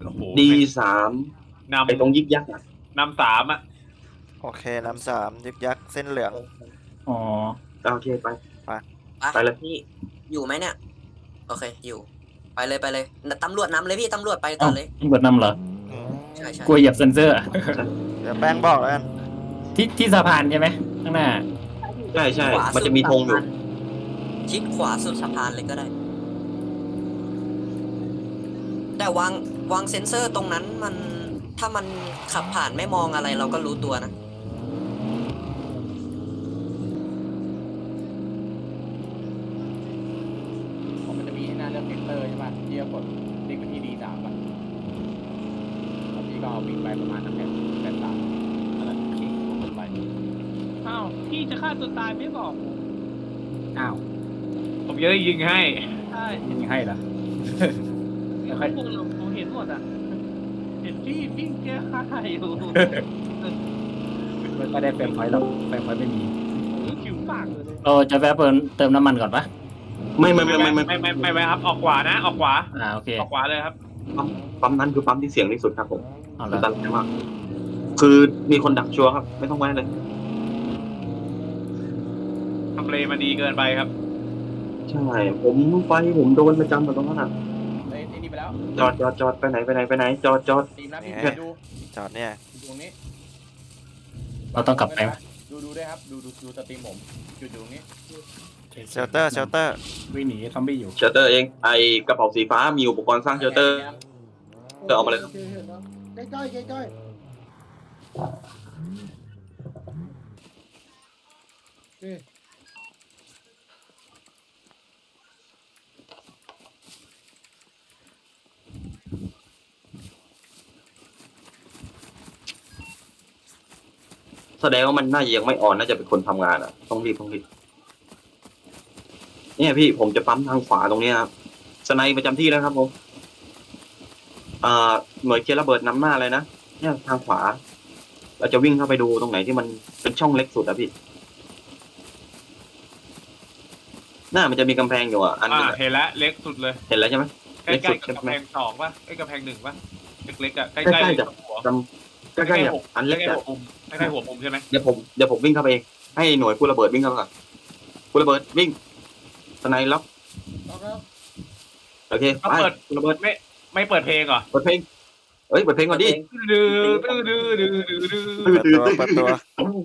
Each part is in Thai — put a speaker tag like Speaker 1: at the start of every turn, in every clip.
Speaker 1: โอ้โห
Speaker 2: D3 ไอ้ตรงยิกยักษ์อ่ะ
Speaker 1: นำสามอ่ะ
Speaker 3: โอเคนำสามยึกยักษ์เส้นเหลือง
Speaker 4: อ๋อ
Speaker 2: โอเคไป
Speaker 5: ไปเลยพี่อยู่ไหมเนี่ยโอเคอยู่ไปเลยไปเลยตำรวจนำเลยพี่ตำรวจไปก่
Speaker 4: เอ้า
Speaker 5: อนเลย
Speaker 4: เบิดนำเหรอ
Speaker 3: อืม
Speaker 5: ใช่ใช่
Speaker 4: กลัวเหยียบเซนเซอร์อะ
Speaker 3: เดี๋ยวแป้งบอกแล้วกัน
Speaker 4: ที่สะพานใช่ไหมข้างหน้า
Speaker 2: ใช่ใช่
Speaker 5: ขวา
Speaker 2: มันจะมีธงอยู่
Speaker 5: ชิดขวาสุดสะพานเลยก็ได้ แต่วางเซ็นเซอร์ตรงนั้นมันถ้ามันขับผ่านไม่มองอะไรเราก็รู้ตัวนะ
Speaker 6: มันจะมีให้หน้าเลือกเซนเตอร์ใช่ป่ะที่จะกดลิงก์ไปที่ D3 ป่ะแล้วพี่ก็เอาวิ่งไปประมาณนั้นแปดสามนั่นแหละคลิกกดไป
Speaker 7: อ้าวพี่จะฆ่าตัวตายไม่บอก
Speaker 4: อ้าว
Speaker 1: ผมจะได้ยิงให้
Speaker 7: ใช่
Speaker 4: ยิงให้เหรอ
Speaker 7: ไม่ค่อยพวกเราผมเห็นหมดอ่ะ เห็นพี่วิ่งแก้ฆ่าอยู่
Speaker 4: ไม่ได้เฟรมพอยต์หรอกเฟรมพอยต์ไม่มี
Speaker 7: ผิวปากเลย
Speaker 4: เราจะแวะเติมน้ำมันก่อนปะ
Speaker 2: ไม่
Speaker 1: ไม่ไว้ครับออกขวานะออกขวา
Speaker 4: โอเค
Speaker 1: ออกขวาเลยครับ
Speaker 2: ปั๊มนั้นคือปั๊มที่เสี่ยงที่สุดครับผม
Speaker 4: เอา
Speaker 2: อั
Speaker 4: ละ
Speaker 2: นตรายมากคือมีคนดักชัวร์ครับ ไม่ต้องไว้เลย
Speaker 1: ทำเลมาดีเกินไปครับ
Speaker 2: ใช่ผมโดนประจำแบบตรงนั้นอ่ะ
Speaker 6: ไอ้นี่ไปแล้ว
Speaker 2: จอดไปไหนจอด
Speaker 6: ทีมนะพี่
Speaker 3: นี่
Speaker 6: ดู
Speaker 3: จอดเนี่ย
Speaker 6: ตรงนี้
Speaker 4: เราต้องกลับไปไหม
Speaker 6: ดูด้วยครับดูสตรีมผมจุดอยู่ตรงนี้
Speaker 3: เชลเตอร์
Speaker 4: วิ่งหนีซอมบี้อยู่
Speaker 2: เชลเตอร์เองไอกระเป๋าสีฟ้ามีอุปกรณ์สร้างเชลเตอร์เอามาเลยครับ
Speaker 8: ใกล้
Speaker 2: แสดงว่ามันน่าจะยังไม่อ่อนน่าจะเป็นคนทำงานอ่ะต้องรีบเนี่ยพี่ผมจะปั๊มทางขวาตรงนี้ครับสไนประจำที่แล้วครับผมหน่วยเคลียร์ระเบิดนำหน้าเลยนะเนี่ยทางขวา เราจะวิ่งเข้าไปดูตรงไหนที่มันเป็นช่องเล็กสุดอะพี่หน้ามันจะมีกำแพงอยู่อ่ะอันนึงอะ
Speaker 1: เห็นแล้วเล็กสุดเลย
Speaker 2: เห็นแล้วใช่ไหม
Speaker 1: ใกล้
Speaker 2: เล็กสุด
Speaker 1: ๆกับ
Speaker 2: ใช่ไหม
Speaker 1: กำแพงสองป่ะไอ้กำแพงหนึ่งป่ะเล็กๆอ่ะใก
Speaker 2: ใกล้
Speaker 1: ล้
Speaker 2: ๆ
Speaker 1: ๆ
Speaker 2: จะ
Speaker 1: กับหัว
Speaker 2: จำใกล้ๆอ่ะอันเล็ก
Speaker 1: ใกล้
Speaker 2: อะ
Speaker 1: ๆหัวมุมใกล้ๆหัวมุมใช่ไหม
Speaker 2: เดี๋ยวผมวิ่งเข้าไปเองให้หน่วยผู้ระเบิดวิ่งเข้าไปก่อนผู้ระเบิดวิ่งสไนล็อก
Speaker 8: แล้ว
Speaker 2: โอเคไปผู้ระเบิด
Speaker 1: ไม่เปิดเพลงเหรอ
Speaker 2: เปิดเพลงเปิดเพลงก่อนดิ
Speaker 1: ดื้อดื้อดื้อดื้อดื้อดื้อ
Speaker 3: เปิดตัว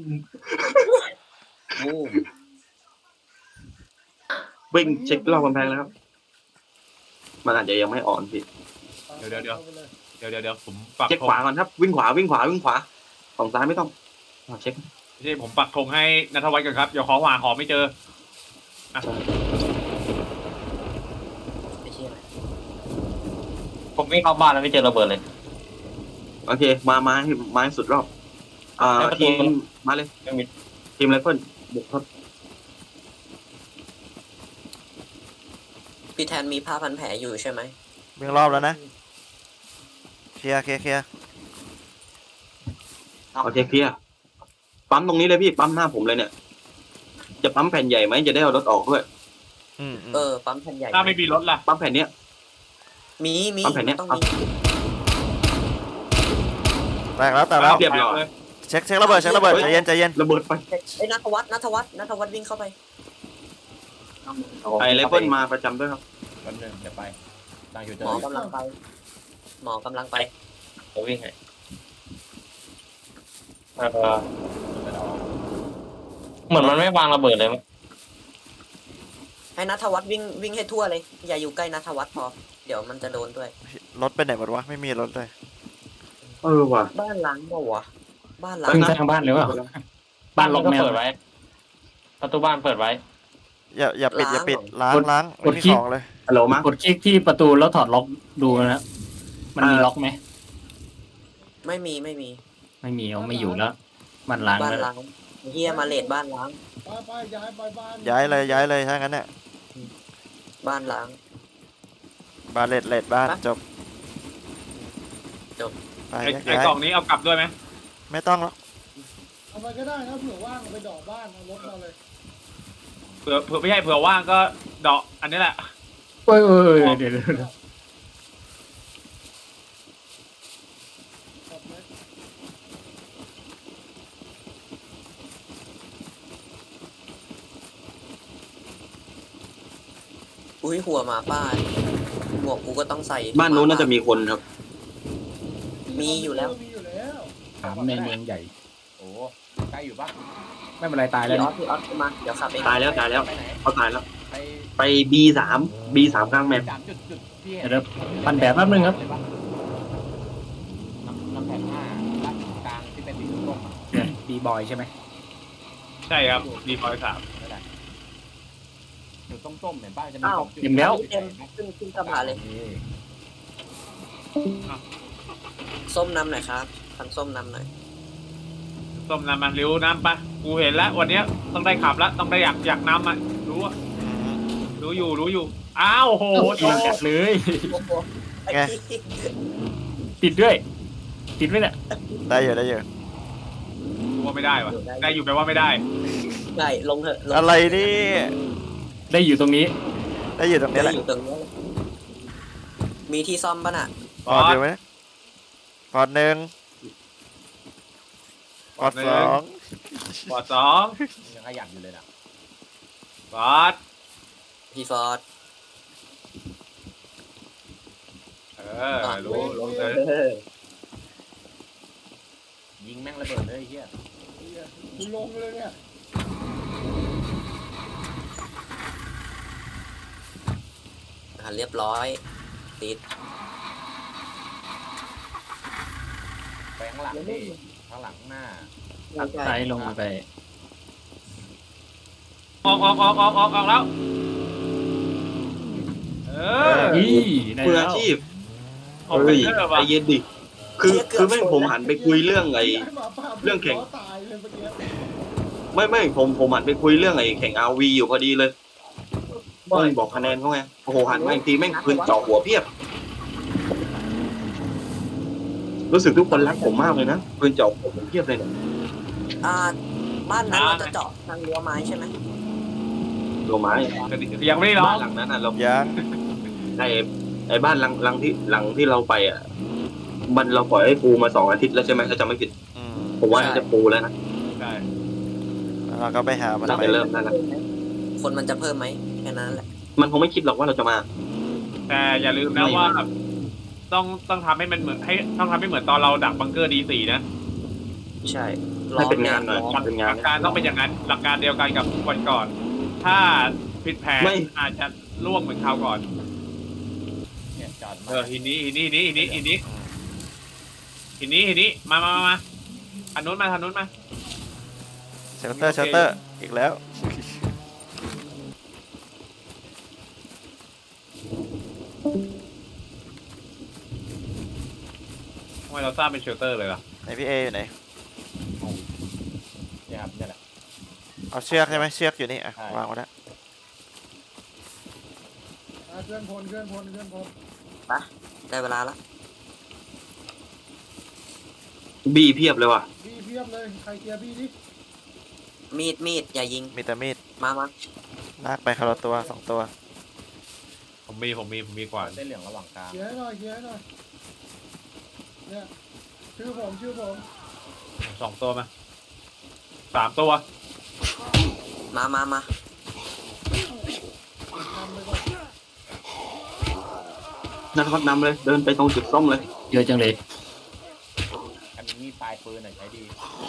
Speaker 2: วิ่งเช็ครอบกำแพงแล้วครับมันอาจจะยังไม่อ่อนพี่
Speaker 1: เดี๋ยวผมปัก
Speaker 2: เช็ค
Speaker 1: ธ
Speaker 2: ขวาง ก่อนครับวิ่งขวาฝั่งซ้ายไม่ต้องเช็ค
Speaker 1: ไม่ใช่ผมปักธงให้นัทวัฒน์ก่อนครับเดี๋ยวขอหาไม่เจอ
Speaker 5: ไม่เชื่อ
Speaker 4: ผมวิ่งเข้าบ้านแล้วไม่เจอระเบิดเลย
Speaker 2: โอเคมาให้สุดรอบทีมมาเลยทีมไรเฟิลบุกครับ
Speaker 5: พี่แทนมีผ้าพันแผลอยู่ใช่ไหม
Speaker 3: วิ่งรอบแล้วนะเคลียร์
Speaker 2: โอเคเคลียร์ปั๊มตรงนี้เลยพี่ปั๊มหน้าผมเลยเนี่ยจะปั๊มแผ่นใหญ่ไหมจะได้เอารถออกด้วย
Speaker 5: ปั๊มแผ่นใหญ่
Speaker 1: ถ้าไม่มีรถล่ะ
Speaker 2: ปั๊มแผ่นเนี้ย
Speaker 5: มี
Speaker 2: ปั๊มแผ่นเนี้ย
Speaker 5: ต้องมี
Speaker 3: แตกแล้ว
Speaker 2: เรียบร้อย
Speaker 3: เช็คระเบิดใจเย็น
Speaker 2: ระเบิดไป
Speaker 5: ไอ้ยนัทวัฒน์วิ่งเข้าไป
Speaker 2: ไอไรเฟิลมาประจำด้วยครับ
Speaker 6: แป๊บนึงเดี๋ยวไปตั้งอยู่เจ
Speaker 5: หม
Speaker 6: อ
Speaker 5: อกำลังไป
Speaker 4: ผมวิ่งให้เหมือนมันไม่วางระเบิดเลยมั้ย
Speaker 5: ให้นัทวัฒน์วิ่งให้ทั่วเลย อย่าอยู่ใกล้นัทวัฒน์พอ เดี๋ยวมันจะโดนด้วย
Speaker 3: รถไปไหนหมดวะไม่มีรถเลย
Speaker 2: ว่ะ
Speaker 5: บ้านล้างเปล่าวะบ้านล้าง
Speaker 4: วิ่งทางบ้านเลยว่ะบ้านล็อกแมว ประตูบ้านเปิดไว้
Speaker 3: อย่าปิดล้าง
Speaker 4: ก
Speaker 3: ไม่
Speaker 4: ด
Speaker 3: มี
Speaker 4: คลิก
Speaker 3: ของเลย
Speaker 2: ฮัลโหลมั้ง
Speaker 4: กดคลิกที่ประตูแล้วถอดล็อกดูนะมันมีล็อกไหม
Speaker 5: ไม่มี
Speaker 4: ไม่มีเอาไม่อยู่แล้วมันล้าง
Speaker 5: บ้าน
Speaker 4: แล้ว
Speaker 5: ล้างเฮียมาเลดบ้านล้าง
Speaker 8: ไปย้ายไปบ้าน
Speaker 3: ย้ายเลยถ้างั้นเนี่ย
Speaker 5: บ้านล้าง
Speaker 3: บ้านเลดบ้านจบ
Speaker 5: จบ
Speaker 3: ไป
Speaker 1: ไอ้
Speaker 3: ย้าย
Speaker 1: กล่องนี้เอากลับด้วยไหม
Speaker 3: ไม่ต้องหรอก
Speaker 8: เอาไปก็ได้นะเผื่อว่างเอาไปดอกบ้านเอารถมาเลย
Speaker 1: เผื่อไม่ใช่เผื่อว่างก็เดาะอันนี้แหละ
Speaker 4: เดี๋ยว
Speaker 5: อุ้ยหัวหมาป้าหมวกกูก็ต้องใส่
Speaker 2: บ้านนู้นน่าจะมีคนครับ
Speaker 5: มีอยู่แล้ว
Speaker 8: มีอยู่แล้ว
Speaker 6: ถามในเมืองใหญ่ โอ้ใกล้อยู่ปะไม่เป็นไรตายแล้ว
Speaker 5: พี่ออสมาเดี๋ยวขับเอง
Speaker 2: ตายแล้วตายแล้ว
Speaker 6: ไปไหน
Speaker 2: เขาตายแล้ว
Speaker 6: ไป
Speaker 2: ไป B3 B3 กลางแมป
Speaker 6: จุดที่
Speaker 4: เดี๋ยวปั่นแบบแป๊บนึงครับ
Speaker 6: น้ำแผ่น5ด้านกลางที่เป็นสีส้มบีบอยใช่ไหม
Speaker 1: ใช่ครับดีพอยสาม
Speaker 6: นั่นแหละจุดส้มๆเห็นป้าจะมี
Speaker 5: อ้าว
Speaker 6: สองจุด
Speaker 4: อิ่มแล้ว
Speaker 5: เต็มขึ้นกระบะเลย ส้มนำหน่อยครับทันส้มนำหน่อย
Speaker 1: ส้มน้ำมันริ้วน้ำปะกูเห็นแล้ววันเนี้ยต้องได้ขับแล้วต้องได้อยากน้ำอ่ะรู้อะรู้อยู่อ้าวโห
Speaker 4: กินจัดเลย
Speaker 3: ไง
Speaker 4: ติดด้วย ติดไหมเนี่ย
Speaker 3: ได้อยู่ได้อยู่
Speaker 1: กูว่าไม่ได้วะได้อยู่แปลว่าไม่ได้
Speaker 5: ได้ลงเถอะลง
Speaker 3: อะไรนี่
Speaker 4: ได้อยู่ตรงนี้
Speaker 3: ได้อยู่ตรงนี้แห
Speaker 5: ได้
Speaker 3: ละ
Speaker 5: อยู่ตรงนี้มีที่ซ่อมป่ะน่ะ
Speaker 3: ปอดอยู่ไหมปอดหนึ่งปอดสอง
Speaker 1: บอดสอง
Speaker 6: ยังขยันอยู่เลยนะ
Speaker 1: บอด
Speaker 5: พี่ฟอร์ด
Speaker 1: รู้ลงเลย
Speaker 6: ยิงแม่งระเบิดเลยไอ้เฮีย
Speaker 8: กูลงเลยเนี่ย
Speaker 5: เรียบร้อยติด
Speaker 6: ไปข้างหลังดิข้างหลังข้างหน้า
Speaker 4: ไซลงไป
Speaker 1: ออกแล้ว
Speaker 4: นี่ได้
Speaker 2: มือ
Speaker 4: แล้
Speaker 2: อาว ชีพ
Speaker 1: ออก
Speaker 2: เฮ้ย
Speaker 1: เกอร์
Speaker 2: ใจ
Speaker 1: ว่ะ
Speaker 2: เย็นดิคือแม่งผมหันไปคุยเรื่องไอ้
Speaker 8: หมาป่า
Speaker 2: เรื่องแข่ง
Speaker 8: ตายเลยเมื่อกี้
Speaker 2: ไม่ผมหันไปคุยเรื่องไอ้แข่ง RV อยู่พอดีเลยต้องบอกคะแนนเขาไงโอ้โหหันมาอีกทีแม่งปืนเจาะหัวเพียบ รู้สึกทุกคนรักผมมากเลยนะปืนเจาะหัวผมเพียบเลยเนี่ย
Speaker 5: บ้านนั้นเราจะเจาะทางรั้วไม้ใช่ไหม
Speaker 2: โลไม้
Speaker 1: ยังไม่ได้ร้อ
Speaker 2: บ้าง นหลังนั้นอ่ะเรา
Speaker 3: ยัง
Speaker 2: ไอ้บ้านหลังที่เราไปอ่ะมันเราปล่อยให้ปูมา2 อาทิตย์แล้วใช่ไหมถ้าจำไม่ผิด
Speaker 3: อืม
Speaker 2: ผมว่าน่าจะปูแล้วนะ
Speaker 1: ใช่
Speaker 3: แล้วเราก็ไปหามัน
Speaker 2: น่า
Speaker 3: ไป
Speaker 2: จะเริ่มได้แล้ว
Speaker 5: คนมันจะเพิ่มไหมแค่นั้นแหละ
Speaker 2: มันคงไม่คิดหรอกว่าเราจะมา
Speaker 1: แต่อย่าลืมนะว่าต้องทำให้มันเหมือนต้องทำให้เหมือนตอนเราดักบังเกอร์D4นะ
Speaker 5: ใช่
Speaker 2: ให้เป็นงานหน่อย
Speaker 5: ล้อม
Speaker 2: เป็น
Speaker 1: ห
Speaker 2: งาน
Speaker 1: ลักการต้องเป็นอย่างนั้น หลักการเดียวกันกับวันก่อน ถ้าผิดแผน
Speaker 2: ไม่
Speaker 1: อาจจะล่วงเหมือนคราวก่อน
Speaker 6: เนี่ยจอดมา
Speaker 1: หินนี้มาอันนู้นมา
Speaker 3: เชลเตอร์อีกแล้ว
Speaker 1: ทำไมเราสร้างเป็นเชลเตอร์เลยล่ะ
Speaker 3: ไหนพี่เออยู่ไหน
Speaker 6: เนี่ยครับเนี่ยแหละ
Speaker 3: เอาเชือกใช่ไหมเชือกอยู่นี่อ่ะ
Speaker 6: ใช่
Speaker 3: วางไว้แล้ว
Speaker 8: เคลื่อนพล
Speaker 5: ได้เวลาละ
Speaker 2: บีเพียบเลยว่ะ
Speaker 8: พี่เพียบเลยใครเคลียร์พี่ดิ
Speaker 5: มีดอย่ายิง
Speaker 3: มีแต่มีด
Speaker 5: มา
Speaker 3: ลากไปคนละตัวสองตัว
Speaker 1: ผมมีกว่า
Speaker 6: เส้นเหลืองระหว่างกลาง
Speaker 8: เคลียร์ให้หน่อยเนี่ยชื่อผม
Speaker 1: 2 ตัวมา3 ตัว
Speaker 5: มา
Speaker 8: นำไปก่อน
Speaker 2: นั่นก็นำเลย เดินไปตรงจุดส้มเลย
Speaker 4: เยอะจังเลย
Speaker 6: อันนี้มีปลายปืนหน่อยใช้ดี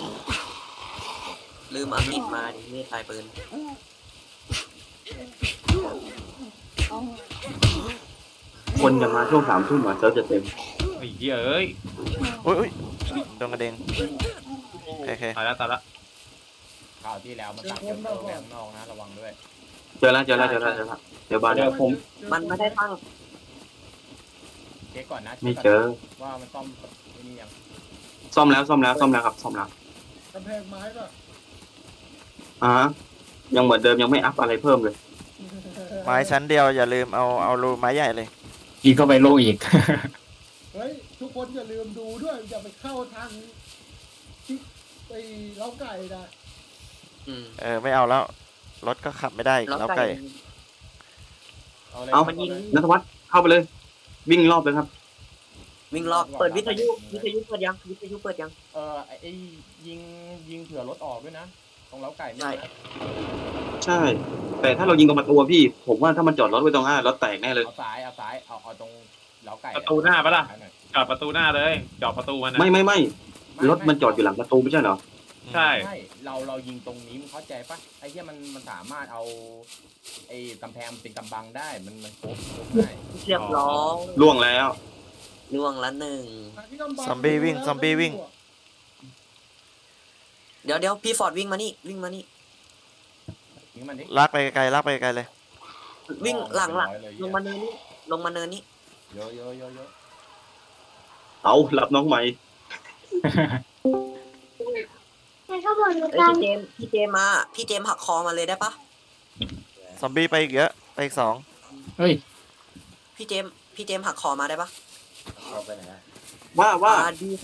Speaker 5: ลืมเอาติดมาดิมีดปลายปืน
Speaker 2: คนจะมาช่วง3 ทุ่มอ่ะเซิร์ฟจะเต็ม
Speaker 1: ไอ้เหี้ยเอ้ย
Speaker 3: อุ้ยโดนกระเด็นโอเค
Speaker 1: ตายละ
Speaker 6: คราวที่แล้วมันตักเจอแบงนอกนะระวังด้วย
Speaker 2: เจอแล้วเดี๋ยวบ้าน
Speaker 4: เดี๋ยวผม
Speaker 5: มันไม่ได้ตั้ง
Speaker 6: เช็คก่อนนะ
Speaker 2: ไม่เจอ
Speaker 6: ว่ามันซ่อมไอ้นี่ยัง
Speaker 2: ซ่อมแล้วครับซ่อมแล้ว
Speaker 8: กำแพงไม้ป่ะ
Speaker 2: ยังเหมือนเดิมยังไม่อัพอะไรเพิ่มเลย
Speaker 3: ไม้ชั้นเดียวอย่าลืมเอารูไม้ใหญ่เลย
Speaker 4: อีกก็ไปโลอีก
Speaker 8: เฮ้ยทุกคนอย่าลืมดูด้วยอย่าไปเข้าทางที่ไอ้เล้าไก่นะ
Speaker 3: ไม่เอาแล้วรถก็ขับไม่ได้อีกแล้วไก่
Speaker 6: เอาเลย
Speaker 2: เอา
Speaker 5: มันยิง
Speaker 2: นัทวัฒน์เข้าไปเลย วิ่งรอบเลยครับ
Speaker 5: วิ่งรอบเปิดวิทยุเปิดยัง
Speaker 6: ไอ้ยิงเผื่อรถออกด้วยนะตรงเล้าไก่นี่
Speaker 5: ใช่
Speaker 6: นะ
Speaker 2: ใช่ แต่ถ้าเรายิงตรงประตูอะพี่ ผมว่าถ้ามันจอดรถไว้ตรงหน้ารถแตกแน่เลย
Speaker 6: เอาซ้ายเอาตรงเล้าไก่
Speaker 1: ประตูหน้าปะล่ะ
Speaker 6: ซ้ยหน่อย
Speaker 1: จอดประตูหน้าเลยจอดประตูมันนะ
Speaker 2: ไม่รถมันจอดอยู่หลังประตูไม่ใช่เหรอ
Speaker 1: ใช่
Speaker 6: ใช่เรายิงตรงนี้มึงเข้าใจปะไอ้เหี้ยมันสามารถเอาไอ้กำแพงมันเป็นกำบังได้มันโค้งได้
Speaker 5: เรียบร้อย
Speaker 2: ล่วงแล้ว
Speaker 5: ล่วงละหนึ่ง
Speaker 3: ซอมบี้วิ่งซอมบี้วิ่ง
Speaker 5: เดี๋ยวพี่ฟอร์ดวิ่งมานี่วิ่งมานี่
Speaker 6: ยิงมันดิ
Speaker 3: ลากไปไกลลากไปไกลเลย
Speaker 5: วิ่งหลัง
Speaker 6: ร้อยเลย
Speaker 5: ลงมาเนินนี่ลงมาเนินนี่
Speaker 6: เยอะเยอะเยอะเยอะ
Speaker 2: เอารับน้องใหม่
Speaker 5: เอ้ยพี่เจมส์มาพี่เจมส์หักคอมาเลยได้ปะ
Speaker 3: ซอมบี้ไปอีกเยอะไปอีก 2
Speaker 4: เฮ้ย
Speaker 5: พี่เจมส์หักคอมาได้ปะ
Speaker 6: เอาไปไหนอะ
Speaker 2: ว่า
Speaker 5: B3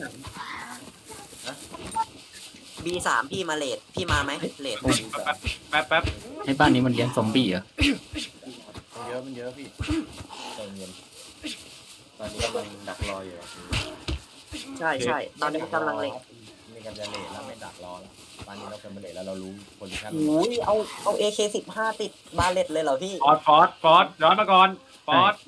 Speaker 5: B3 พี่มาเลดพี่มาไหมเลด
Speaker 1: แป๊บแป๊บ
Speaker 4: ให้บ้านนี้มันเลี้ยงซอมบี้เหรอ
Speaker 6: มันเยอะพี่ใจเย็นตอนนี้กำลังดักรออยู่
Speaker 5: ใช่ตอนนี้กำลังเลด
Speaker 6: มีกันจะเลทแล้วไม่ดักรอแล้วตอนนี้เราเป็นเลทแล้วเรารู้โพซิชั่น
Speaker 5: โอ้ยเอา AK15 ติดบาเลตเลยเหรอพี่
Speaker 1: ฟอร์ดย้อนมาก่อนฟอร์ด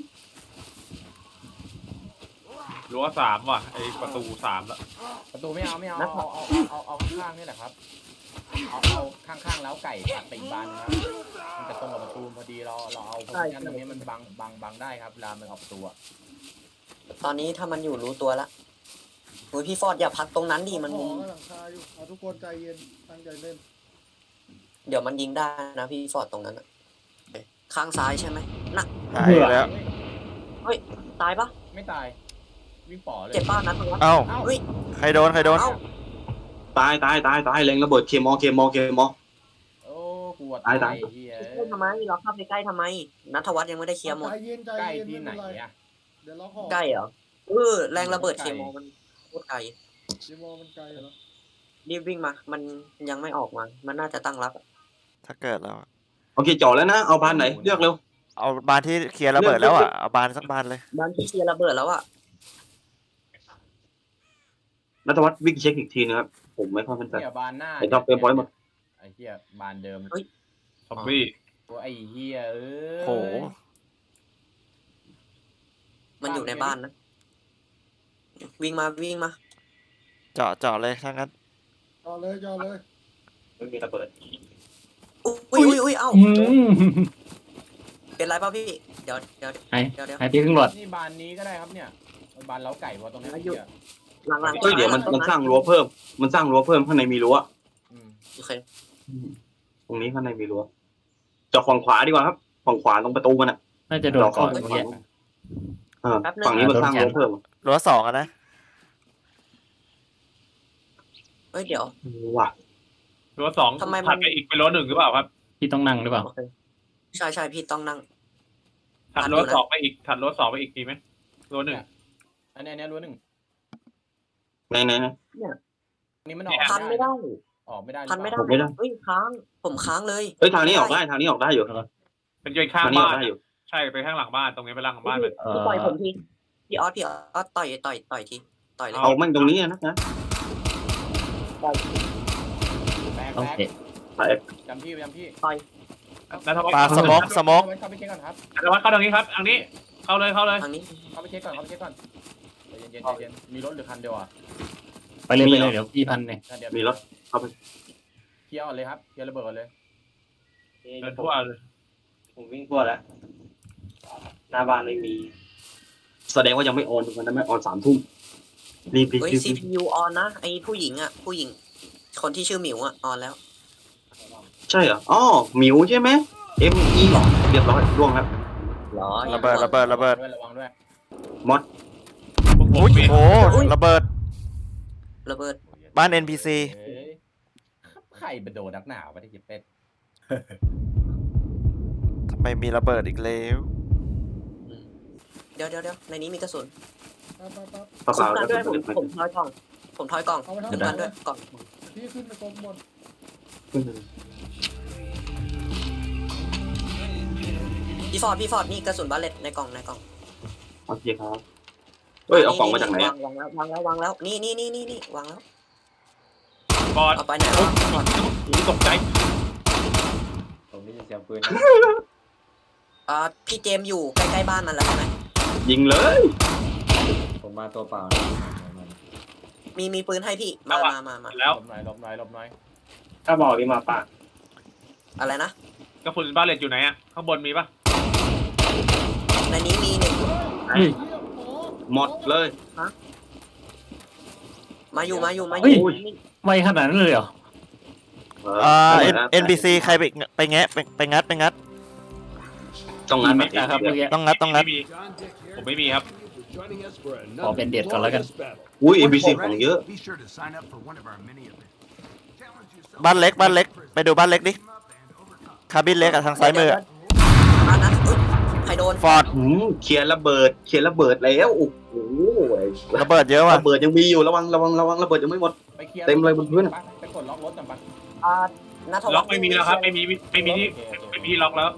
Speaker 1: รั้ว3ว่ะไอประตู3แล้ว
Speaker 6: ประตูไม่เอาเอาข้างๆนี่แหละครับเอาข้างๆแล้วไก่ตัดไปอีกบานนะครับมันจะตรงกับประตูพอดีเราเอาโพซิชั่นตรงนี้มันบังได้ครับเวลามันออกประตูอะ
Speaker 5: ตอนนี้ถ้ามันอยู่รู้ตัวละโอ้ยพี่ฟอร์ดอย่าพักตรงนั้นดิมัน
Speaker 8: ขอหลังคาอยู่เอาทุกคนใจเย็นตั้งใจเล่น
Speaker 5: เดี๋ยวมันยิงได้นะพี่ฟอร์ดตรงนั้นอะข้างซ้ายใช่ไหมน่ะ
Speaker 3: หายแล้ว
Speaker 5: ตายปะ
Speaker 6: ไม่ตายวิ่งป่อเลย
Speaker 5: เจ็บป้านั้นตรงนั้น
Speaker 3: เอ้า
Speaker 5: เฮ้ย
Speaker 3: ใครโดน
Speaker 5: เอ้า
Speaker 2: ตายเล็งระเบิดเคมอ
Speaker 6: โอ้กลัว
Speaker 2: ตาย
Speaker 6: เฮีย
Speaker 5: เข้าทำไมเราเข้าไปใกล้ทำไมนัทวัฒน์ยังไม่ได้เคลียร์หมด
Speaker 8: ใจเย็นใจ
Speaker 6: ใกล้
Speaker 8: เย็น
Speaker 6: ที่ไหน
Speaker 8: ม่เป็ร
Speaker 6: อะ
Speaker 8: เดี๋ยวเราขอ
Speaker 5: ใกล้เหรอแรงระเบิดเคมอลมันโคตรไกล
Speaker 8: เดโมมันไกลเหรอ
Speaker 5: รีบวิ่งมา มันยังไม่ออกมา มันน่าจะตั้งรับอะ
Speaker 3: ถ้าเกิดแล้วอะ
Speaker 2: โอเคจอดแล้วนะเอาบานไหนเลือกเร็ว
Speaker 3: เอาบานที่เคลียร์ระเบิดแล้วอ่ะเอาบานสักบานเลย
Speaker 5: บ้านที่เคลียร์ระเบิดแล้วอะ
Speaker 2: นัทวัฒน์วิ่งเช็คอีกทีนะครับผมไม่ค่อยมั่นใจ
Speaker 6: เฮียบานหน้า
Speaker 2: ไอ้ท็อปเฟรมพอยต์หมด
Speaker 6: ไอ้เฮียบานเดิม
Speaker 1: ซอมบี้
Speaker 6: โอ้ไอ้เฮียเอ้ย
Speaker 3: โห
Speaker 5: มันอยู่ในบ้านนะ วิ่งมา
Speaker 3: เจาะเลยถ้างั้น
Speaker 8: จอเลยจอเลย
Speaker 2: ไม่มีระเบิด
Speaker 5: อุ้ยเอ้า
Speaker 4: อืม
Speaker 5: เป็นไรป่ะพี่ เดี๋ยว
Speaker 4: ไอ้
Speaker 5: เดี๋ยว
Speaker 4: ไอ้พี่ขึ้นรถ
Speaker 6: นี่บานนี้ก็ได้ครับเนี่ยบานเล้าไก่เพราะตรงนี้
Speaker 5: อายุ
Speaker 6: เฮีย
Speaker 5: หลัง
Speaker 2: เฮ้ยเดี๋ยวมันสร้างรั้วเพิ่มข้างในมีรั้ว
Speaker 6: อืม
Speaker 5: โอเค
Speaker 2: ตรงนี้ข้างในมีรั้วจอดฝั่งขวาดีกว่าครับฝั่งขวาตรงประตูมันอ่ะ
Speaker 4: น่าจะโดนก่อน
Speaker 2: เรา
Speaker 4: เมื่อ
Speaker 2: เข้า
Speaker 4: กี้
Speaker 2: ฝั่งนี้มันสร้างรั้วเพิ่ม
Speaker 3: รั้ว2อ่ะนะ
Speaker 5: เฮ้ยเดี๋ยว
Speaker 2: ว่ะ
Speaker 1: รั้ว2
Speaker 5: ทำไมมัน
Speaker 1: ถัดไปอีกเป็นรั้ว1หรือเปล่าครับ
Speaker 4: พี่ต้องนั่งหรือเปล่า
Speaker 5: โอเคใช่พี่ต้องนั่ง
Speaker 1: ถัดรั้ว2ไปอีกดีไหมรั้ว1
Speaker 6: อันนี้รั้วหนึ่ง
Speaker 2: ไหน
Speaker 6: อันนี้มันออก
Speaker 5: พันไม่ได้
Speaker 6: ออกไม่ได้
Speaker 5: พันไม่ได้
Speaker 2: ผมไม่ได้
Speaker 5: เฮ้ยค้างผมค้างเลย
Speaker 2: เฮ้ยทางนี้ออกได้อยู่
Speaker 1: เป็นเกยข้าง
Speaker 2: ทางนี้อ
Speaker 1: บ้า
Speaker 2: อน กได้อยู่
Speaker 1: ใช่ไปข้างหลังบ้านตรงนี้ไปหลังบ้านเลย
Speaker 5: พี่ปล่อยผมทีพี่ออสต่อยทีต่อยเลย
Speaker 2: เอามันตรงนี้นะ
Speaker 6: แบก
Speaker 4: โอเค
Speaker 2: ไป
Speaker 6: จำพี่
Speaker 1: นัทวัฒ
Speaker 3: ปลา
Speaker 1: น์
Speaker 3: สโมก
Speaker 6: เข้าไปเช็คก่อนครับ
Speaker 1: นัทวัฒน์เข้าทางนี้ครับทางนี้เข้าเลย
Speaker 5: ทางนี้
Speaker 6: เข้าไปเช็คก่อนใจเย็นมีรถหรือคันเดียวอ่ะ
Speaker 4: ไปเลยเดี๋ยวพี่พันเนี่ย
Speaker 6: คันเดียว
Speaker 2: มีรถ
Speaker 6: เคลียร์ก่อนเลยครับเคลียร์ระเบิดก่อนเลย
Speaker 1: เดินทั่วเลย
Speaker 2: ผมวิ่งทั่วแล้วหน้าบ้านไม่มี แสดงว่ายังไม่ออนตรงนั้นไม่ออน3 ทุ่มรีบ
Speaker 5: เฮ้ย CPU ออนนะไอผู้หญิงคนที่ชื่อหมิวออนแล้ว
Speaker 2: ใช่เหรออ๋อหมิวใช่ไหม ME เรียบร้อยล่วงแล้ว
Speaker 5: เหรอ
Speaker 3: ระเบิด
Speaker 6: ระวังด้วย
Speaker 3: อุ้ยโอ้ระเบิด
Speaker 5: ระเบิด
Speaker 3: บ้าน NPC
Speaker 6: ใครไปโดนนักหนาวไม่ได้จิบเป็ด
Speaker 3: ทำไมมีระเบิดอีกแล้ว
Speaker 5: เดี๋ยวในนี้มีกระสุน
Speaker 8: ปั๊บ
Speaker 2: เปล่า
Speaker 5: กันด้วย
Speaker 2: ๆ
Speaker 5: ผมถอยกล่อง
Speaker 8: เอาไป
Speaker 5: คุ้ม
Speaker 8: ทำ
Speaker 5: กันด้วยกล่อง
Speaker 8: พี่ขึ้นไปกองบน
Speaker 5: พี่ฟอร์ดนี่กระสุนบาเลตในกล่อง
Speaker 2: โอเคครับเฮ้ยเอากล่องมาจากไหน
Speaker 5: วางแล้วนี่วางแล้ว
Speaker 1: บอด
Speaker 5: เอาไปไหนวะก่อน
Speaker 1: หูตกใจ
Speaker 4: ผมได้ยินเสียงปืน
Speaker 5: พี่เจมส์อยู่ใกล้ๆบ้านมันแล้วใช่ไหม
Speaker 2: ยิงเลย
Speaker 4: ผมมาตัวเปล่า
Speaker 5: มีปืนให้พี่มา
Speaker 1: แล้ว
Speaker 6: หลบหน่อยหลบหน่อยหลบหน่อย
Speaker 4: ถ้าบอกนี่มาปาก
Speaker 5: อะไรนะ
Speaker 1: กระสุนบ้าเลตอยู่ไหนอ่ะข้างบนมีปะ
Speaker 5: ในนี้มีหนึ่ง
Speaker 2: หมดเลย
Speaker 5: มาอยู่
Speaker 4: ไม่ขนาดนั้นเลยเหรอ
Speaker 3: NPC ใครไปแงะไปงัด
Speaker 2: ต้องงาน
Speaker 4: เม็ดนะครับเมื่อกี้
Speaker 3: ต้องงัด
Speaker 1: ไม่มีผมไม่มีครับ
Speaker 4: ขอเป็นเด็ดก่อนแล้วกัน
Speaker 2: อุ้ย NPC ของเยอะ
Speaker 3: บ้านเล็กไปดูบ้านเล็กดิคาบินเล็กอะทางซ้ายมืออะ
Speaker 5: บ้านนั้นใครโดน
Speaker 3: ฟอร์ด
Speaker 2: เคลียร์ระเบิดแล้วโอ้โห
Speaker 3: ระเบิดเยอะว่ะ
Speaker 2: ระเบิดยังมีอยู่ระวังระเบิดยังไม่หมด
Speaker 6: ไปเคลียร์
Speaker 2: เต็มเลยบนพื้นอะ
Speaker 6: ไปกดล็อกรถกันปะ
Speaker 5: นัทวัฒน์
Speaker 1: ล็อกไม่มีแล้วครับไม่มีที่ล็อกแล้ว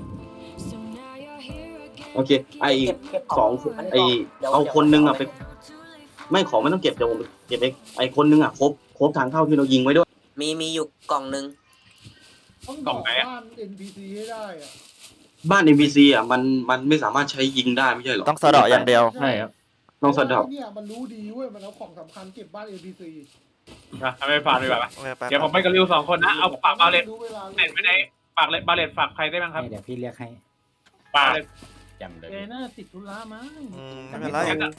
Speaker 2: โอเคไอ
Speaker 5: เก็บ
Speaker 2: สอง
Speaker 5: น
Speaker 2: ไอ
Speaker 5: นี้ก่
Speaker 2: เอาคนนึงอะไปไม่ของไม่ต้องเก็บเดี๋ยวผมเก็บเองไอคนนึงอะครบทางเข้าที่เรายิงไว้ด้วย
Speaker 5: มีอยู่กล่องหนึ่ง
Speaker 8: ต้องบอกบ้าน NPC ให้ได้อะ
Speaker 2: บ้าน NPC อะมันไม่สามารถใช้ยิงได้ไม่ใช่หรอ
Speaker 3: ต้องสะเดาะอย่างเดียว
Speaker 4: ใช่ครับ
Speaker 2: ต้องสะเดาะ
Speaker 8: เนี่ยมันรู้ดีเว้ยมันเอาของสำคัญเก็บบ้าน NPC
Speaker 1: นะทำไมฝากดีกว่า
Speaker 3: ไป
Speaker 1: เดี๋ยวผมไปกับริวสองคนนะเอาฝากบาเลต
Speaker 8: รู้เวลา
Speaker 1: เน็ตไม่ได้ฝากบาเลตฝากใครได้บ้างครับ
Speaker 4: เดี๋ยวพี่เรียกให้
Speaker 1: ฝากเลย
Speaker 6: จำเลย
Speaker 7: แกน่าติดธุระมั้ง
Speaker 3: ไม่เป็นไร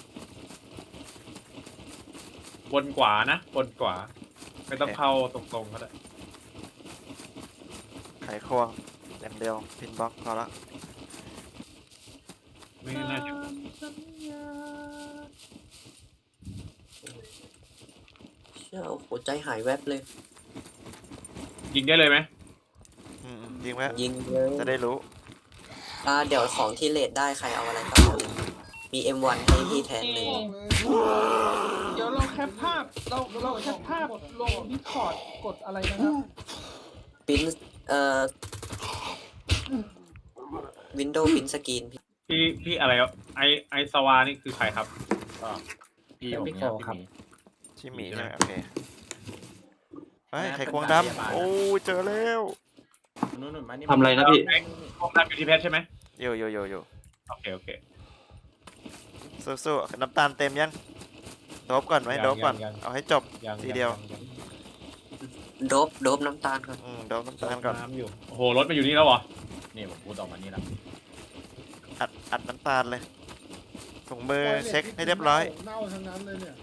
Speaker 1: บนขวานะบนขวาไม่ต้องเข้าตรงๆก็ได้
Speaker 3: ไขควงอย่างเดียวพินบล็อกพอละ
Speaker 1: ไม่น่าจะ
Speaker 5: เชี่ยโอ้โหใจหายแวบเลย
Speaker 1: ยิงได้เลยไหม
Speaker 3: ยิงไหม
Speaker 5: ยิงเลย
Speaker 3: จะได้รู้
Speaker 5: เดี๋ยวของที่เลดได้ใครเอาอะไรบ้างมี M1 ให้พี่แทนหนึ่ง
Speaker 7: เดี๋ยวเราแคปภาพเราแคปภาพลงดิสคอร์ดกดอะไรนะครับ
Speaker 5: ปิ้นวินโดว์ปิ้นสกรีน
Speaker 1: พี่อะไรอ่ะไอสวานี่คือใครครับ
Speaker 6: พี่ผมเนี่ยพี่หมี
Speaker 3: ชิหมีใช่ไหมโอเคไไขควงดำโอ้เจอแล้ว
Speaker 6: นู่นมานี่
Speaker 2: ทำอะไรนะพี่
Speaker 1: ห้องน้ำอยู่ที่เพชรใช่ไหม
Speaker 3: อยู่
Speaker 1: โอเค
Speaker 3: สู้ๆน้ำตาลเต็มยังโดบก่อนไหมโดบก่อนเอาให้จบ ทีเดียว
Speaker 5: โดบน้ำตาลก่อน
Speaker 3: โดบน้ำตาลก่อน
Speaker 1: น้ำอยู่โอ้โหรถมาอยู่นี่แล้วเหรอ
Speaker 6: นี่ผมพูดออกมานี่ละ
Speaker 3: อัดน้ำตาลเลยถุงมือเช็คให้เรียบร้อย
Speaker 8: เน่าทั้งนั้นเลยเนี่ย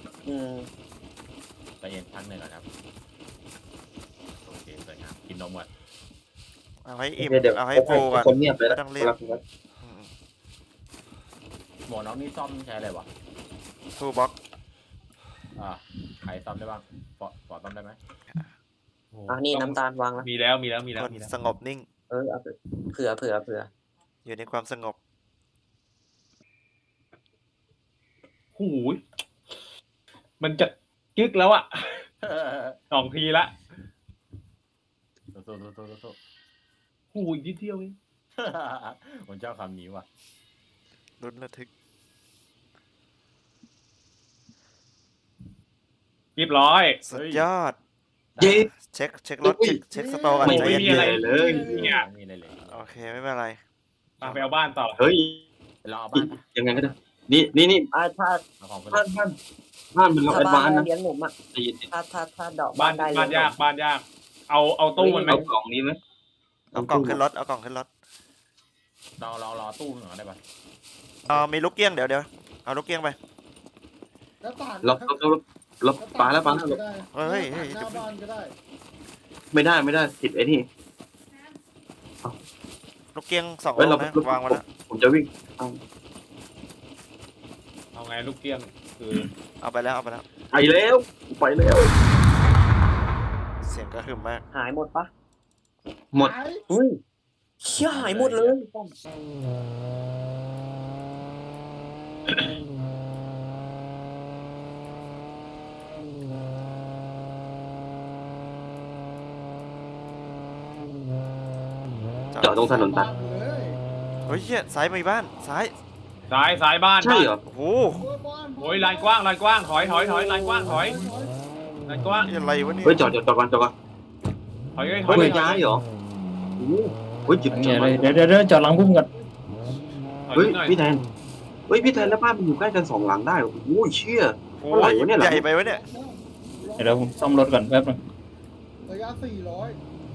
Speaker 6: ใจเย็นพักหนึ่งก่อนครับโอเคสวยงามกินนมก่อน
Speaker 3: เอาให้อิ่ม
Speaker 2: เดี๋ยว
Speaker 3: เอาให้ฟูก่อน
Speaker 2: คนเงียบเลย
Speaker 3: ไม่
Speaker 2: นะ
Speaker 3: ต้องรีบ
Speaker 6: หมวกน้องนี่ซ่อมใช้อะไรวะ
Speaker 3: ทูบ็อก
Speaker 6: ใครซ่อมได้บ้างปอซ่อมได้ไหม
Speaker 5: นี่น้ำตาลวางแล้ว
Speaker 1: มีแล้ว
Speaker 3: คนสงบนิ่ง
Speaker 5: เอาเผื่อ
Speaker 3: อยู่ในความสงบ
Speaker 1: หูยมันจะจึกแล้วอ่ะ 2 ทีละ
Speaker 6: โต
Speaker 1: หูยนิดเดียวเอง
Speaker 6: ผมชอบคำนี้ว่ะ
Speaker 3: ลุ้นระทึก
Speaker 1: เรียบร้อย
Speaker 3: สุดยอด
Speaker 2: เย้
Speaker 3: เช็ครถเช็คสโตร์ก่อน
Speaker 1: ไม่
Speaker 3: ใจ
Speaker 1: มี
Speaker 3: เย็น
Speaker 1: อะไร
Speaker 2: เลย
Speaker 1: เนี่ย
Speaker 6: ไม่มีอะไรเลย
Speaker 3: ๆโอเคไม่เป็นไร
Speaker 1: ไปเอาบ้านต่อ
Speaker 2: เฮ้ย
Speaker 6: เราเอาบ้าน
Speaker 2: ยังไงก็ได้นี่
Speaker 5: ถ้า
Speaker 6: เอาของไป
Speaker 2: บ้านเป็นเราแอดวานซ์นะ
Speaker 5: เลี้ยงหนุ่มอ่ะ
Speaker 2: ใจเย็น
Speaker 5: ถ้าดอก
Speaker 1: บ้าน
Speaker 5: ได้
Speaker 1: บ้านยากเอาตู้มันไหม
Speaker 2: เอากล่องนี้ไหม
Speaker 3: เอากล่องขึ้นรถ
Speaker 6: รอตู้หน่อยได้ปะ
Speaker 3: มีลูกเกี้ยงเดี๋ยวเอาลูกเกี้ยงไป
Speaker 8: แล้วต่าง
Speaker 2: เราปาแล้ว
Speaker 8: ก็ได้
Speaker 3: เฮ้ย
Speaker 8: หน้าบ้านก็ได้
Speaker 2: ไม่ได้ติดไอ้นี่
Speaker 3: ลูกเกี้ยง2
Speaker 2: เฮ้ย
Speaker 3: ลู
Speaker 2: เรา
Speaker 3: กนะวางไว้แล้ว
Speaker 2: ผมจะวิ่ง
Speaker 1: เอาไงลูกเกี้ยงคือ
Speaker 3: เอาไปแล้ว
Speaker 2: ไปแล้ว
Speaker 3: เสียงกระหึ่มมาก
Speaker 5: หายหมดปะ
Speaker 2: หมด
Speaker 8: หาย
Speaker 5: เชี่ยหายหมดเลย
Speaker 2: จอดตรงถนนตัด
Speaker 8: เลย
Speaker 3: เฮ้ยเหี้ยซ้ายมีบ้านซ้าย
Speaker 1: ซ้ายบ้าน
Speaker 2: ใช่เหรอ
Speaker 3: โอ้โห
Speaker 1: โอ้ยลานกว้างถอยลานกว้างถอย
Speaker 8: ถอย
Speaker 1: นนั่นก็ว่า
Speaker 3: อะไรวะเนี่ย
Speaker 2: เฮ้ยจอดก่อน
Speaker 1: ถอยเลยถ
Speaker 2: เฮ้
Speaker 1: อย ยเลย
Speaker 2: ย้ายเหรอโอ้โหเฮ้ยจุด
Speaker 9: เดี๋ยวจอดหลังพุ่มกัน
Speaker 1: ถอย
Speaker 2: เฮ้ย
Speaker 1: หน่อย
Speaker 2: พี่แทนพี่แทนแล้วบ้านมันอยู่ใกล้กัน2 หลังได้โอ้โหเชี่ย
Speaker 3: โอ้
Speaker 2: เท่าไหร่
Speaker 3: ยว
Speaker 2: ะเนี่ยหลั
Speaker 3: ให
Speaker 2: ง
Speaker 3: ญ่ไปวะเนี่ย
Speaker 9: เดี๋ยวผมซ่อมรถก่อนแป๊บนึง
Speaker 8: ระยะ400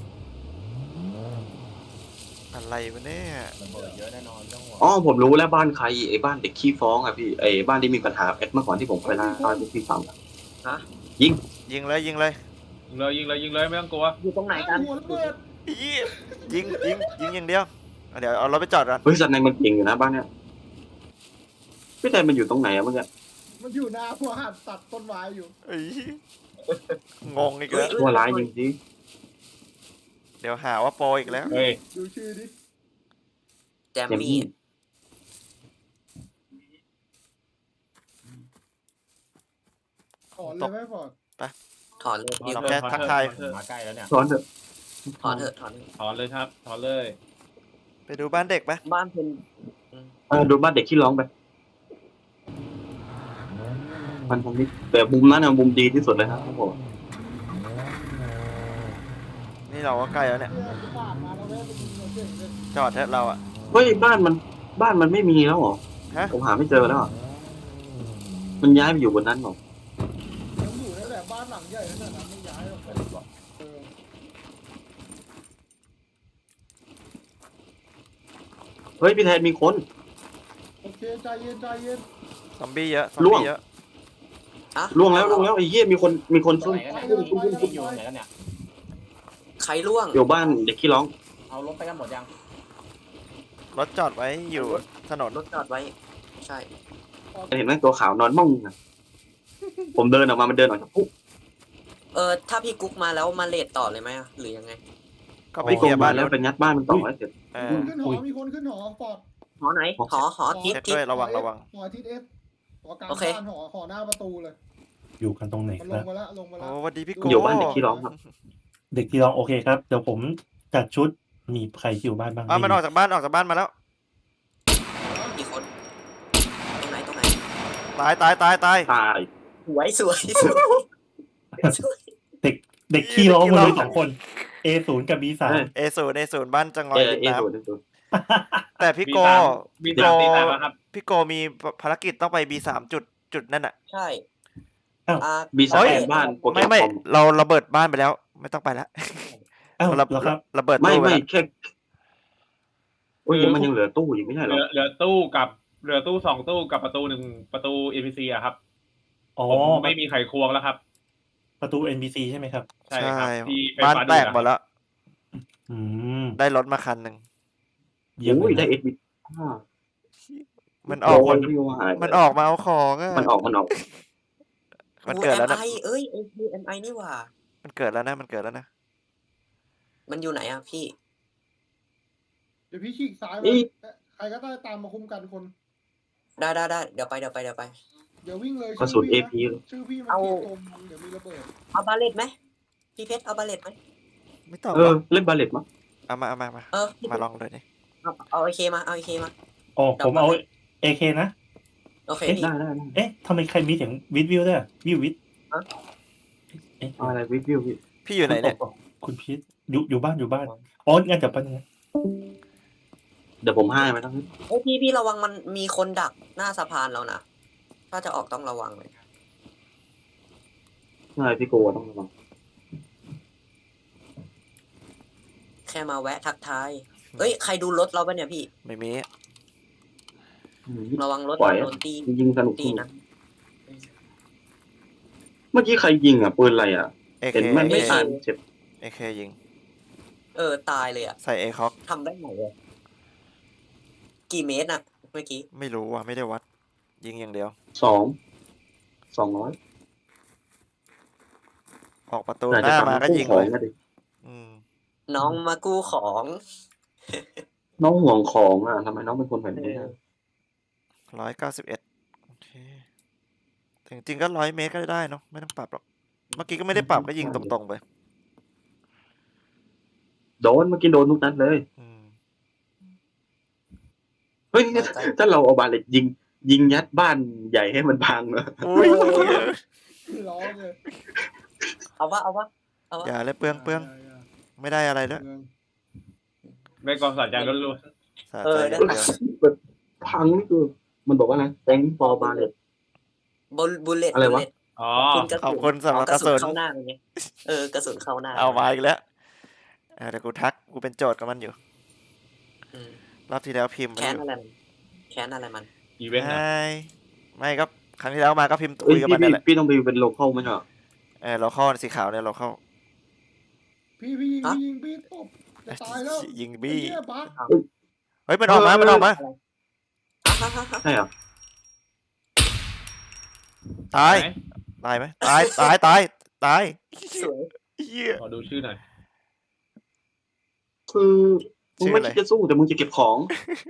Speaker 3: อะไรวะเนี่ย
Speaker 6: ระเบิดเยอะแน่นอนไม่ต้องห่วง
Speaker 2: อ๋อผมรู้แล้วบ้านใครไอ้บ้านเด็กขี้ฟ้องอะพี่ไอ้บ้านที่มีปัญหาเมื่อก่อนที่ผมเคยเล่าให้พี่ฟังอะ
Speaker 3: ยิงเลย
Speaker 1: ยิงเลยไม่ต้องกลัว
Speaker 5: อยู่ตรงไหนกัน
Speaker 8: หัวระเบิด
Speaker 3: ยิงอย่างเดียวเดี๋ยวเอารถไปจอดก่อน
Speaker 2: เฮ้ยสัตว์ในมันเก่งอยู่นะบ้านเนี้ยพี่แทนมันอยู่ตรงไหนอะเมื่อกี้
Speaker 8: มันอยู่หน้าหัวหันตัดต้นไม้อยู่
Speaker 3: เอ้ยงงอีกแล้ว
Speaker 2: ชั่วร้ายจริง
Speaker 3: เดี๋ยวหาว่าโปรอีกแล้ว
Speaker 1: เฮ้ย
Speaker 8: ดูชื่อดิ
Speaker 5: แจม
Speaker 2: ๆอย่าง
Speaker 5: มี่
Speaker 2: นี้
Speaker 8: ถอนเลยไหมฟอร์ด
Speaker 5: ถอนเลยดิว
Speaker 3: เราแค่ทักทาย
Speaker 6: มาใกล้แล้วเนี่ย
Speaker 2: สอนเถอะ
Speaker 5: ถอนเถอะถอน
Speaker 1: ถอนเลยครับถอนเลย
Speaker 3: ไปดูบ้านเด็กไหม
Speaker 5: บ้านเป็น
Speaker 2: ดูบ้านเด็กขี้ร้องไปมันผมนี่แต่มุมนั้นนะมุมดีที่สุดเลยครับผม
Speaker 3: นี่เราก็ใกล้แล้วเนี่ย
Speaker 8: เนี่ยที่ผ่านมาเราแวะไปยิงเราเก่งเลย
Speaker 3: จอดเถอะเราอะ
Speaker 2: เฮ้ยบ้านมันไม่มีแล้วเหรอ
Speaker 3: ฮะ
Speaker 2: ผมหาไม่เจอแล้วอะมันย้ายไปอยู่บนนั้นเหรอ
Speaker 8: มันอยู่นั่นแหละบ้านหลังใหญ่นั่นน่ะไม่ย้ายหรอกเออ
Speaker 2: เฮ้ยพี่แทนมีคน
Speaker 8: โอเคใจเย็น
Speaker 3: ซอมบี้เยอะ
Speaker 2: ล่วง
Speaker 3: เยอะ
Speaker 5: อะ
Speaker 2: ล่วงแล้วไอ้เหี้ยมีคนซุ่ม
Speaker 6: ไหนกันเนี่ยอยู่ไหนกันเนี่ย
Speaker 5: ใครล่วง
Speaker 2: อยู่บ้านเด็กขี้ร้อง
Speaker 6: เอารถไปกันหมดยัง
Speaker 3: รถจอดไว้อยู่ถนน
Speaker 5: รถจอดไว้ ใช่
Speaker 2: เห็นไหมตัวขาวนอนม่องอะผมเดินออกมามันเดินออกจากคุก
Speaker 5: ถ้าพี่กุ๊กมาแล้วมาเลทต่อเลยไหมอะหรือยังไง
Speaker 3: ก็ไป
Speaker 2: พี่
Speaker 3: เค
Speaker 2: ก
Speaker 3: ลี
Speaker 2: ง
Speaker 3: ยร์
Speaker 2: มา
Speaker 3: บ้าน
Speaker 2: แล้วไปงัดบ้านมันต่อให้เสร็จ
Speaker 3: เอ
Speaker 8: ๆ
Speaker 3: อ
Speaker 8: ขึ้นหอมีคนขึ้นหอฟอร์ด
Speaker 5: หอไหน หอทิศ
Speaker 3: เช็ค
Speaker 5: ทิศ
Speaker 3: ด้วยระวัง
Speaker 8: หอทิศเอฟหอกลาง
Speaker 5: โอเค
Speaker 8: บ้านหอหน้าประตูเลย
Speaker 9: อยู่กันตรงไหน
Speaker 8: มัน
Speaker 9: ค
Speaker 8: ล
Speaker 9: รั
Speaker 8: ง
Speaker 9: บ
Speaker 8: มาแล้วลงมาแล้
Speaker 3: โอ้
Speaker 8: ว
Speaker 3: สวัสดีพี่โก
Speaker 2: อยู่บ้านเด็กขี้ร้องครับ
Speaker 9: เด็กที่ร้องโอเคครับ เดี๋ยวผมจัดชุดมีใครที่อยู่บ้านบ้าง
Speaker 3: มันออกจากบ้านมาแล้ว
Speaker 5: กี่คน ตรงไหนตรงไหน
Speaker 3: ตาย
Speaker 2: ตาย
Speaker 5: สวยสวยสวย
Speaker 9: เด็กที่ร้องมาเลย2 คน A0 กับ B3
Speaker 3: A0 บ้านจังหวัดริมน้
Speaker 2: เอ
Speaker 3: ำแต่พี่โก
Speaker 1: มีสามตีตามแล้วครับ
Speaker 3: พี่โกมีภารกิจต้องไป B3 จุดนั่นอะ
Speaker 5: ใช่
Speaker 9: อ้าว
Speaker 2: บีสา
Speaker 3: เฮ้ย
Speaker 2: บ้านโปรแกร
Speaker 3: ไม่
Speaker 2: มคอม
Speaker 3: เราระเบิดบ้านไปแล้ว ไม่ต้องไปแล้ว
Speaker 9: อ้าว
Speaker 3: ระ
Speaker 9: เหรอครับ
Speaker 3: ระเบิด
Speaker 2: ไม่
Speaker 3: ตู้ไป
Speaker 2: ไม่
Speaker 3: แล้ว
Speaker 2: แค่โอ้ยมันยังเหลือตู้อยู่ไม่ใช่เหรอ
Speaker 1: เหลือตู้2 ตู้กับประตู1ประตู NPC อะครับ
Speaker 9: อ๋อ
Speaker 1: ผมไม่มีไขควงแล้วครับ
Speaker 9: ประตู NPC ใช่ไหมครับ
Speaker 1: ใช่ครับที่ไฟ
Speaker 3: บ้าน
Speaker 1: ฟ้า
Speaker 3: แต
Speaker 1: ดู
Speaker 3: ก
Speaker 1: ดอะ
Speaker 3: หมดแล้ว
Speaker 9: อืม
Speaker 3: ได้รถมาคันหนึ่ง
Speaker 9: เยี่ยม
Speaker 2: โอ้ย
Speaker 9: เล
Speaker 2: ได้
Speaker 9: ย
Speaker 2: เอ็ดบี
Speaker 3: มันออก
Speaker 2: คนที่หาย
Speaker 3: มันออกมาเอาของอะ
Speaker 2: มันออก
Speaker 3: มันเกิดแล้วนะ
Speaker 5: MI เอ้ย MI นี่หว่า
Speaker 3: มันเกิดแล้วนะ
Speaker 5: มันอยู่ไหนอะพี่
Speaker 8: เดี๋ยวพี่ฉีกซ้ายไปใครก็ได้ตามมาคุมกันคน
Speaker 5: ได้เดี๋ยวไป
Speaker 8: เดี๋ยววิ่งเลย
Speaker 2: กระสุนเอ
Speaker 8: ชื่อ
Speaker 2: พี
Speaker 8: ชื่อพี่มัน
Speaker 5: เอา
Speaker 8: ขีดตรงเดี๋ยวมีระเบิด
Speaker 5: เอาบาเลตไหมพี่เพชรเอาบาเลตไหม
Speaker 3: ไม่ต้อง
Speaker 2: เล่นบาเลตมั้ง
Speaker 3: เอามา
Speaker 5: พี่
Speaker 3: มาลองเลยดิ
Speaker 5: เอาไอเคมาเอาไอเคมา
Speaker 9: อ๋อผมเอา AK นะ
Speaker 5: โอเคพี่
Speaker 2: ได้
Speaker 9: เอ๊ะทำไมใครมีเสียงวิวด้วยวิว เอ๊ะ
Speaker 2: อะไรวิวพี่
Speaker 3: พี่อยู่ไหนเนี่ย
Speaker 9: คุณพีทอยู่บ้านอ๋องั้นเดี๋ยวแป๊บนึงนะ
Speaker 2: เดี๋ยวผมให้ไหมต้อง
Speaker 5: เอ้ยพี่ระวังมันมีคนดักหน้าสะพานแล้วนะถ้าจะออกต้องระวังเลย
Speaker 2: ใช่พี่โกต้องระวัง
Speaker 5: แค่มาแวะทักทายเอ้ยใครดูรถเราปะเนี่ยพี่
Speaker 3: ไม่มี
Speaker 5: ระวังรถ
Speaker 2: ปล่อย
Speaker 5: โดนตี
Speaker 2: ยิงสนุก
Speaker 5: ตีนะ
Speaker 2: เมื่อกี้ใครยิงอ่ะปืนอะไรอ่ะ
Speaker 3: AK
Speaker 2: เห็นมันไม่อ่านเจ็บ
Speaker 3: AK ยิง
Speaker 5: ตายเลยอะ
Speaker 3: ใส่ A คอก
Speaker 5: ทำได้ไงอะกี่เมตรอะเมื่อกี้
Speaker 3: ไม่รู้ว่ะไม่ได้วัด ยิงอย่างเดียว
Speaker 2: 200
Speaker 3: ออกประตู
Speaker 2: แต่
Speaker 3: ห
Speaker 2: จะ
Speaker 3: น้า
Speaker 2: ทำ
Speaker 3: มาก็
Speaker 2: คู่
Speaker 3: ยิง
Speaker 2: ขอ
Speaker 3: เล
Speaker 2: ง
Speaker 3: ย
Speaker 2: ก็ดิ
Speaker 3: อืม
Speaker 5: น้องมากู้ของ
Speaker 2: น้องห่วงของอ่ะทำไมน้องเป็นคนแบบนี้อะ
Speaker 3: 191โอเคแต่จริงๆก็100 เมตรก็ได้เนาะไม่ต้องปรับหรอกเมื่อกี้ก็ไม่ได้ปรับก็ยิงตรงๆไป
Speaker 2: โดนเมื่อกี้โดนทุกนัดเลย
Speaker 3: อืม
Speaker 2: เฮ้ยถ้าเราเอาบาเลตยิงยัดบ้านใหญ่ให้มันพังเหรอ
Speaker 3: อุ้ย
Speaker 8: ร้องเลย
Speaker 5: เอาวะเอาวะเอาวะ
Speaker 3: อย่าเลยเปลืองไม่ได้อะไรด้วย
Speaker 1: ได้ความสะใจล้วน
Speaker 3: สะใจอย่างเดียว
Speaker 2: พังนี่คือมันบอกว่าไงแตงฟอร์บาเลต
Speaker 5: บุลเลต
Speaker 2: อะไรวะ
Speaker 1: ๆอ๋อ
Speaker 3: ขอบคุณสำหรับกระสุน
Speaker 5: เข้าหน้าอย่างเงี้ยกระสุนเข้าหน้า
Speaker 3: เอามาอีกแล้วเดี๋ยวกูทักกูเป็นโจทย์กับมันอยู่
Speaker 5: อืม
Speaker 3: รอบที่แล้วพิมพ์ไป
Speaker 5: แค้น
Speaker 3: อยู่
Speaker 5: อะไรมันแค้นอะไรมัน
Speaker 1: อีเวนต์นะ
Speaker 3: ไม่ก็ครั้งที่แล้วมาก็พิมพ์
Speaker 2: เอ้
Speaker 3: คุ
Speaker 2: ย
Speaker 3: ยกับ
Speaker 2: พี่
Speaker 3: มันนั่นแหละ
Speaker 2: พี่ต้องไปเป็นโลเคอลไหมเหรอ
Speaker 3: เราเข้าสีขาวเนี่ยเราเข้า
Speaker 8: พี่ยิงพี่ตบจะตายแล้ว
Speaker 3: ยิงบี้
Speaker 8: ไอ้เหี้ยบัก
Speaker 3: เฮ้ยมันออกมามันออกมา
Speaker 2: ใช่เหรอ
Speaker 3: ตาย
Speaker 1: ไหน
Speaker 3: ตายไหมตายตายตายตาย
Speaker 5: สวย
Speaker 3: เหี้ย
Speaker 1: ขอดูชื่อหน่อย
Speaker 2: คือมึง
Speaker 3: ชื่อ
Speaker 2: ไม่
Speaker 3: อะไร
Speaker 2: คิดจะสู้แต่มึงจะเก็บของ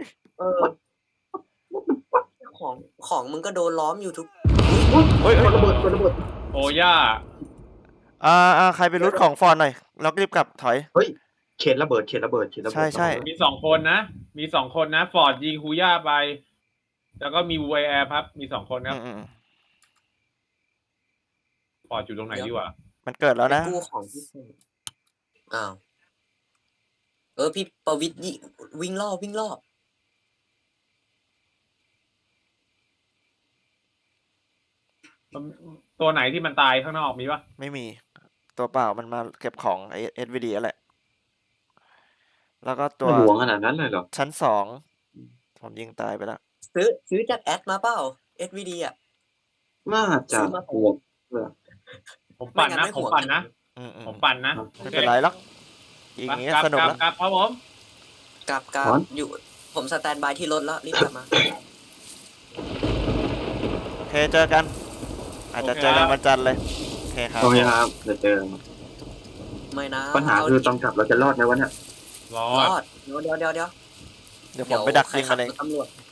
Speaker 5: ของมึงก็โดนล้อมอยู่ทุก
Speaker 3: เฮ้ย
Speaker 2: คนระเบิดคนระเบิด
Speaker 1: โอย่า
Speaker 3: ใครไปรูทของฟอนหน่อยเราก็รีบกลับถอย
Speaker 2: เขตระเบิดเขตระเบิดเขตระเบิด
Speaker 3: ใช่
Speaker 1: มี2 คนนะ มี2 คนนะ ฟอร์ดยิงฮูย่าไป แล้วก็มีวูแอร์ครับ มี2 คนครับ
Speaker 3: อืม
Speaker 1: ฟอร์ดอยู่ตรงไหนดีวะ
Speaker 3: มันเกิดแล้วนะ
Speaker 5: กู้ของที่อ้าวพี่ประวิตรวิ่งรอบ
Speaker 1: ตัวไหนที่มันตายข้างนอกมีปะ
Speaker 3: ไม่มีตัวเปล่ามันมาเก็บของไอเอสวีดีแหละแล้วก็ตัว
Speaker 2: หลวงขนาดนั้นเลยเหรอ
Speaker 3: ชั้น2ผมยิงตายไปแล้ว
Speaker 5: ซื้อจากแอดมาเปล่า SVD อ่ะ
Speaker 2: น่าจะห่วง
Speaker 1: ผมปั่นนะ ผมปั่นนะ
Speaker 3: อืม
Speaker 1: ผมปั่นนะ
Speaker 3: ไม่เป็นไรหรอกยิงอย่างเงี้ยสนุกแล้ว
Speaker 1: กลับครับผม
Speaker 5: กลับอยู่ ผมสแตนบายที่รถแล้วรีบกลับมา
Speaker 3: โอเคเจอกัน อาจจะเจอกันวันจันทร์เลยโอเคครับ
Speaker 2: โอเคครับเดี๋ยวเจอ
Speaker 5: ไม่นะ
Speaker 2: ปัญหาคือตอนกลับเราจะรอดไหมวะเนี่ย
Speaker 1: รอ
Speaker 5: ร
Speaker 1: ด
Speaker 5: อดเดี๋ยว
Speaker 3: เดี๋ยวผมไปดักยิงมันเอง
Speaker 5: ตำรวจ